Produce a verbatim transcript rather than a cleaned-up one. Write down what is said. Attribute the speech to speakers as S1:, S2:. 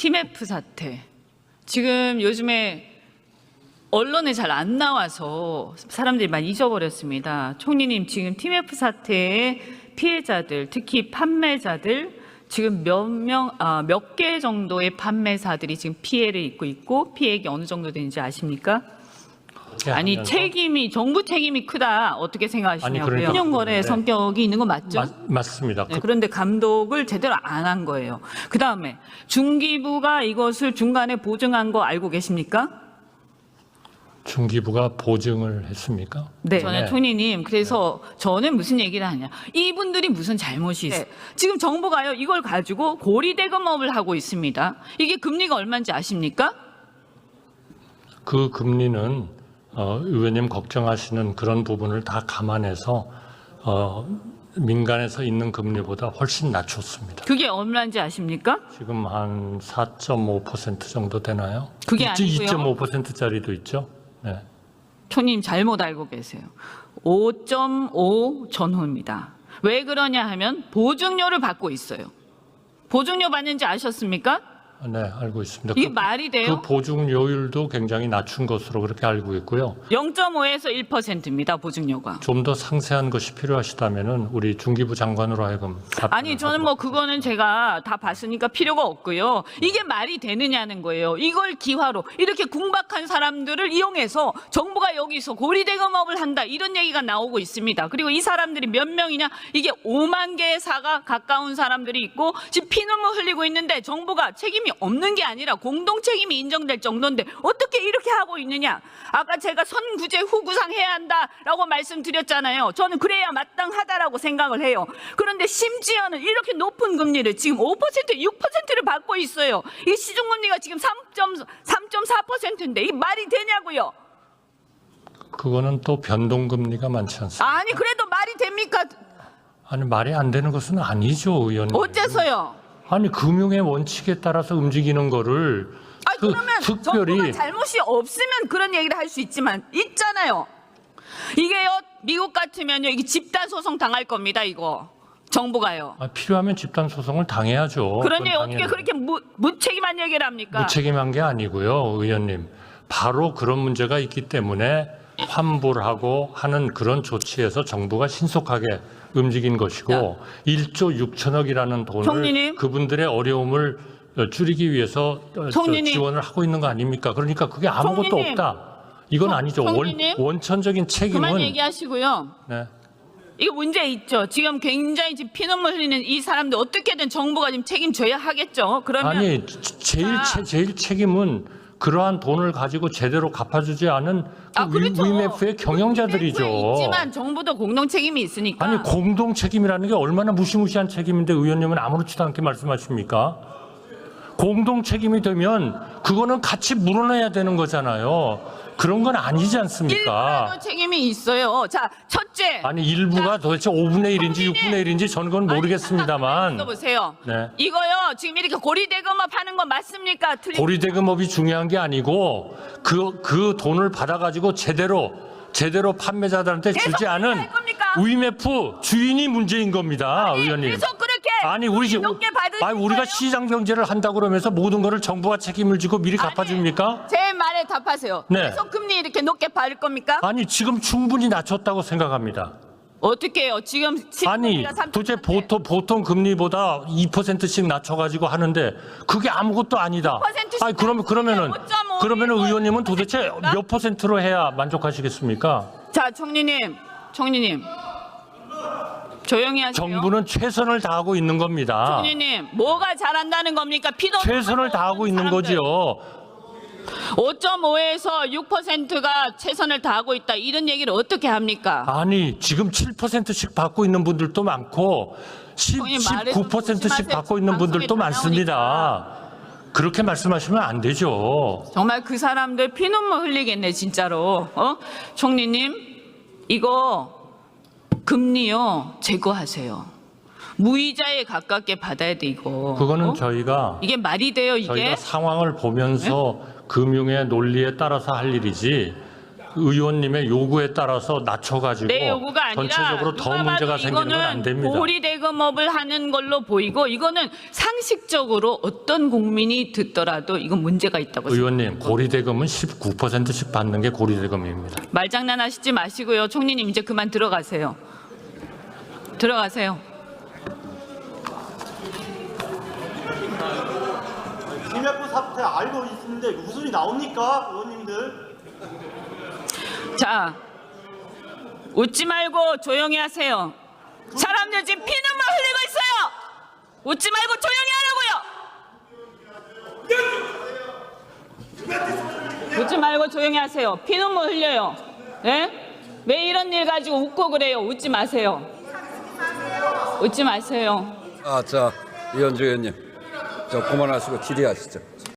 S1: 티맵프 사태. 지금 요즘에 언론에 잘 안 나와서 사람들이 많이 잊어버렸습니다. 총리님, 지금 티맵프 사태의 피해자들, 특히 판매자들, 지금 몇 명, 아, 몇 개 정도의 판매사들이 지금 피해를 입고 있고 피해액이 어느 정도 되는지 아십니까? 아니, 하면서? 책임이, 정부 책임이 크다. 어떻게 생각하시냐고요?
S2: 그러니까,
S1: 신용거래
S2: 네.
S1: 성격이 있는 거 맞죠?
S2: 맞, 맞습니다.
S1: 네, 그런데 감독을 제대로 안 한 거예요. 그 다음에 중기부가 이것을 중간에 보증한 거 알고 계십니까?
S2: 중기부가 보증을 했습니까?
S1: 네. 저는
S2: 네.
S1: 총리님, 그래서 네. 저는 무슨 얘기를 하냐. 이분들이 무슨 잘못이 있어요. 네. 지금 정부가요, 이걸 가지고 고리대금업을 하고 있습니다. 이게 금리가 얼마인지 아십니까?
S2: 그 금리는 어, 의원님 걱정하시는 그런 부분을 다 감안해서 어, 민간에서 있는 금리보다 훨씬 낮췄습니다.
S1: 그게 얼마인지 아십니까?
S2: 지금 한 사 점 오 퍼센트 정도 되나요?
S1: 그게 아니고요.
S2: 이 점 오 퍼센트짜리도 있죠. 네.
S1: 총리님 잘못 알고 계세요. 오 점 오 전후입니다. 왜 그러냐 하면 보증료를 받고 있어요. 보증료 받는지 아셨습니까?
S2: 네, 알고 있습니다.
S1: 이게
S2: 그,
S1: 말이 돼요?
S2: 그 보증료율도 굉장히 낮춘 것으로 그렇게 알고 있고요.
S1: 영 점 오에서 일 퍼센트입니다. 보증료가.
S2: 좀 더 상세한 것이 필요하시다면은 우리 중기부 장관으로 하여금
S1: 아니, 저는 뭐 그거는 제가 다 봤으니까 필요가 없고요. 이게 말이 되느냐는 거예요. 이걸 기화로 이렇게 궁박한 사람들을 이용해서 정부가 여기서 고리대금업을 한다, 이런 얘기가 나오고 있습니다. 그리고 이 사람들이 몇 명이냐? 이게 오만 개의 사가 가까운 사람들이 있고 지금 피눈물 흘리고 있는데 정부가 책임이 없는 게 아니라 공동 책임이 인정될 정도인데 어떻게 이렇게 하고 있느냐? 아까 제가 선구제 후구상 해야 한다라고 말씀드렸잖아요. 저는 그래야 마땅하다라고 생각을 해요. 그런데 심지어는 이렇게 높은 금리를 지금 오 퍼센트, 육 퍼센트를 받고 있어요. 이 시중금리가 지금 삼 점 사 퍼센트인데 이 말이 되냐고요?
S2: 그거는 또 변동금리가 많지 않습니까?
S1: 아니, 그래도 말이 됩니까?
S2: 아니, 말이 안 되는 것은 아니죠, 의원님.
S1: 어째서요?
S2: 아니, 금융의 원칙에 따라서 움직이는 거를
S1: 아니,
S2: 그,
S1: 그러면
S2: 특별히
S1: 정부가 잘못이 없으면 그런 얘기를 할 수 있지만 있잖아요. 이게요, 미국 같으면요, 이게 집단 소송 당할 겁니다. 이거 정부가요.
S2: 아, 필요하면 집단 소송을 당해야죠.
S1: 그러니
S2: 그건
S1: 어떻게
S2: 당연히.
S1: 그렇게 무, 무책임한 얘기를 합니까?
S2: 무책임한 게 아니고요, 의원님. 바로 그런 문제가 있기 때문에 환불을 하고 하는 그런 조치에서 정부가 신속하게 움직인 것이고
S1: 야.
S2: 일조 육천억이라는 돈을
S1: 총리님.
S2: 그분들의 어려움을 줄이기 위해서
S1: 총리님.
S2: 지원을 하고 있는 거 아닙니까? 그러니까 그게 아무것도
S1: 총리님.
S2: 없다. 이건
S1: 총-
S2: 아니죠. 원,
S1: 총리님.
S2: 원천적인 책임은
S1: 그만 얘기하시고요.
S2: 네.
S1: 이거 문제 있죠. 지금 굉장히 지금 피눈물 흘리는 이 사람들 어떻게든 정부가 지금 책임져야 하겠죠. 그러면
S2: 아니 제일
S1: 자.
S2: 채, 제일 책임은 그러한 돈을 가지고 제대로 갚아주지 않은 그
S1: 아, 그렇죠.
S2: 위메프의 경영자들이죠.
S1: 위메프에 있지만 정부도 공동 책임이 있으니까.
S2: 아니 공동 책임이라는 게 얼마나 무시무시한 책임인데 의원님은 아무렇지도 않게 말씀하십니까? 공동 책임이 되면 그거는 같이 물어내야 되는 거잖아요. 그런 건 아니지 않습니까?
S1: 일부라도 책임이 있어요. 자, 첫째.
S2: 아니 일부가
S1: 자,
S2: 도대체 오분의 일인지
S1: 총리님.
S2: 육분의 일인지 저는 그건 모르겠습니다만
S1: 보세요.
S2: 네.
S1: 이거요. 지금 이렇게 고리대금업 하는 거 맞습니까? 틀린
S2: 고리대금업이 중요한 게 아니고 그, 그 돈을 받아가지고 제대로 제대로 판매자들한테
S1: 계속
S2: 주지 않은
S1: 할 겁니까?
S2: 위메프 주인이 문제인 겁니다,
S1: 아니,
S2: 의원님.
S1: 계속 그렇게
S2: 아니 우리
S1: 높게 받으실
S2: 아니 우리가
S1: 거예요? 시장
S2: 시장 경제를 한다고 그러면서 모든 거를 정부가 책임을 지고 미리
S1: 아니,
S2: 갚아줍니까?
S1: 제 말에 답하세요.
S2: 네.
S1: 계속 금리 이렇게 높게 받을 겁니까?
S2: 아니 지금 충분히 낮췄다고 생각합니다.
S1: 어떻게 해요? 지금
S2: 아니 도대체 보통 보통 금리보다 이 퍼센트씩 낮춰가지고 하는데 그게 아무것도 아니다.
S1: 이 퍼센트씩
S2: 아니 그러면 그러면은
S1: 오 점 오,
S2: 그러면은
S1: 일,
S2: 의원님은 도대체
S1: 퍼센트입니까?
S2: 몇 퍼센트로 해야 만족하시겠습니까?
S1: 자, 총리님, 총리님, 조용히 하세요.
S2: 정부는 최선을 다하고 있는 겁니다.
S1: 총리님, 뭐가 잘한다는 겁니까? 피도
S2: 최선을 다하고 있는 거지요.
S1: 오 점 오에서 육 퍼센트가 최선을 다하고 있다, 이런 얘기를 어떻게 합니까?
S2: 아니 지금 칠 퍼센트씩 받고 있는 분들도 많고 십,
S1: 형님, 말을 좀
S2: 십구 퍼센트씩
S1: 조심하세요.
S2: 받고 있는 분들도
S1: 방송에 다
S2: 많습니다. 그렇게 말씀하시면 안 되죠.
S1: 정말 그 사람들 피눈물 흘리겠네, 진짜로. 어? 총리님, 이거 금리요 제거하세요. 무이자에 가깝게 받아야 돼, 이거.
S2: 그거는
S1: 어?
S2: 저희가
S1: 이게 말이 돼요, 이게?
S2: 저희가 상황을 보면서 금융의 논리에 따라서 할 일이지 의원님의 요구에 따라서 낮춰가지고
S1: 내 요구가 아니라
S2: 전체적으로 더
S1: 누가
S2: 문제가
S1: 봐도
S2: 생기는 건 안
S1: 이거는
S2: 됩니다.
S1: 고리대금업을 하는 걸로 보이고 이거는 상식적으로 어떤 국민이 듣더라도 이건 문제가 있다고 생각합니다.
S2: 의원님, 고리대금은 십구 퍼센트씩 받는 게 고리대금입니다.
S1: 말장난하시지 마시고요. 총리님 이제 그만 들어가세요. 들어가세요.
S3: 김해포 사태 알고 있는데 무슨 소리 나옵니까, 의원님들?
S1: 자, 웃지 말고 조용히 하세요. 사람들 지금 피눈물 흘리고 있어요. 웃지 말고 조용히 하라고요. 웃지 말고 조용히 하세요. 피눈물 흘려요. 네? 왜 이런 일 가지고 웃고 그래요? 웃지 마세요. 웃지 마세요.
S4: 아, 자, 이현주 의원님, 저 그만하시고 질의하시죠.